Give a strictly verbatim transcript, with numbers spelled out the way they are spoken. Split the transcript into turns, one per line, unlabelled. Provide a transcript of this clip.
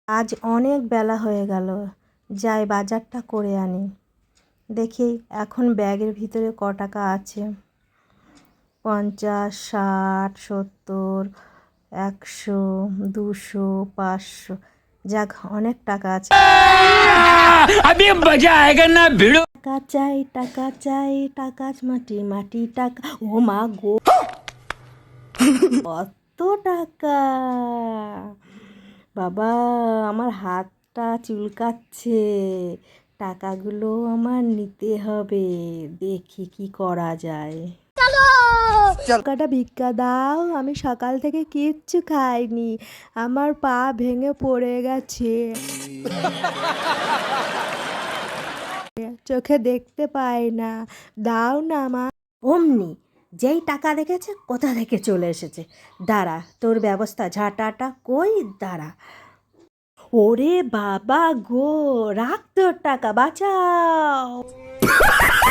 আজ অনেক বেলা হয়ে গেল, যাই বাজারটা করে আনি। দেখি এখন ব্যাগের ভিতরে ক টাকা আছে। পঞ্চাশ, ষাট, সত্তর, একশো, দুশো, পাঁচশো, যাক অনেক টাকা আছে। টাকা চাই, টাকা চাই, টাকা মাটি মাটি টাকা। ও মা গো, কত টাকা! বাবা, আমার হাতটা চুলকাচ্ছে। টাকাগুলো আমার নিতে হবে, দেখি কি করা যায়। টাকাটা ভিক্ষা দাও, আমি সকাল থেকে কিচ্ছু খাইনি, আমার পা ভেঙে পড়ে গেছে, চোখে দেখতে পাই না, দাও না মা। অমনি যেই টাকা দেখেছে কোথা থেকে চলে এসেছে। দাঁড়া, তোর ব্যবস্থা ঝাঁটাটা কই, দাঁড়া। ওরে বাবা গো, রাখ তোর টাকা, বাঁচাও।